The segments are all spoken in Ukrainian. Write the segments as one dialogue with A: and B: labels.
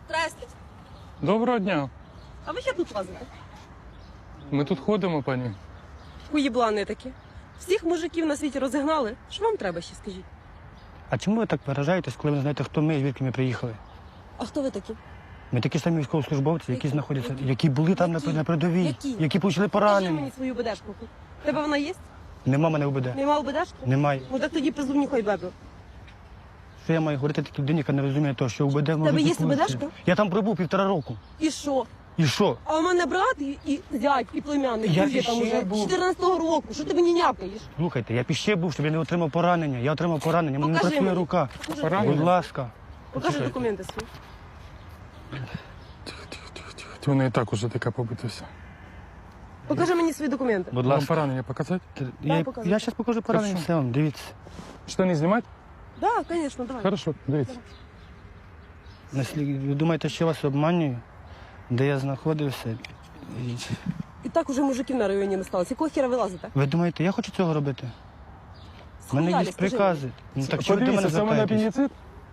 A: Здрасте.
B: Доброго дня.
A: А ви ще тут лазите?
B: Ми тут ходимо, пані.
A: Уєблани такі. Всіх мужиків на світі розігнали. Що вам треба ще, скажіть?
C: А чому ви так виражаєтесь, коли ви не знаєте, хто ми і звідки ми приїхали?
A: А хто ви такі?
C: Ми такі самі військовослужбовці, які
A: Які?
C: знаходяться,
A: Які?
C: які були там
A: Які?
C: на передовій,
A: Які?
C: які отримали
A: Покажи
C: поранення.
A: мені свою БДшку. Тебе вона є?
C: Нема мене УБД.
A: Нема БДшки?
C: Немає.
A: Ну так тоді пизу нюхай бебе.
C: Що я маю говорити такій людині, яка не розуміє того, що УБД може
A: Тебе є
C: бути поліція?
A: УБДшка?
C: Я там пробув 1,5 року.
A: І що?
C: І що?
A: А у мене брат і зять, і племянник.
C: Я
A: друзі там
C: ще
A: уже
C: був.
A: 14-го року. Що ти мені някаєш?
C: Слухайте, я ще був, щоб я не отримав поранення. Я отримав поранення, мене не
A: Покажи
C: працює
A: мені.
C: рука.
A: Покажи,
B: Поранення?
C: Будь ласка.
A: Покажи документи свої.
B: Вона і так уже така побита вся.
A: Покажи мені свої документи.
C: Будь
B: Вам
C: ласка.
B: поранення показати?
C: Я
A: показуй.
C: зараз покажу поранення,
B: Хорошо.
C: все вам, дивіться.
B: Що, не знімати?
A: Так, да, звісно, давай.
B: Хорошо, дивіться.
C: Ви думаєте, що я вас обманюю? Де я знаходився?
A: І так уже мужиків на районі не сталося. Якого хіра ви лазите?
C: Ви думаєте, я хочу цього робити? У мене
A: Схуялі,
C: є
A: скажи
C: прикази. Ну так чого ви до мене
B: Подивіться, це в мене
C: звертаєтесь?
B: апендицит.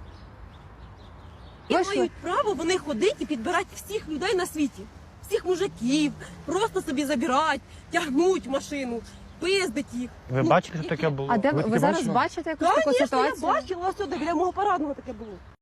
A: І мають право вони ходити і підбирати всіх людей на світі. Всіх мужиків, просто собі забирати, тягнуть в машину, пиздить їх.
C: Ви бачили, що таке було?
D: А де
B: Ви
D: ви
B: таке
D: зараз
B: бачили?
D: бачите якусь таку
A: Звісно, я
D: ситуацію?
A: бачила, ось біля мого парадного таке було.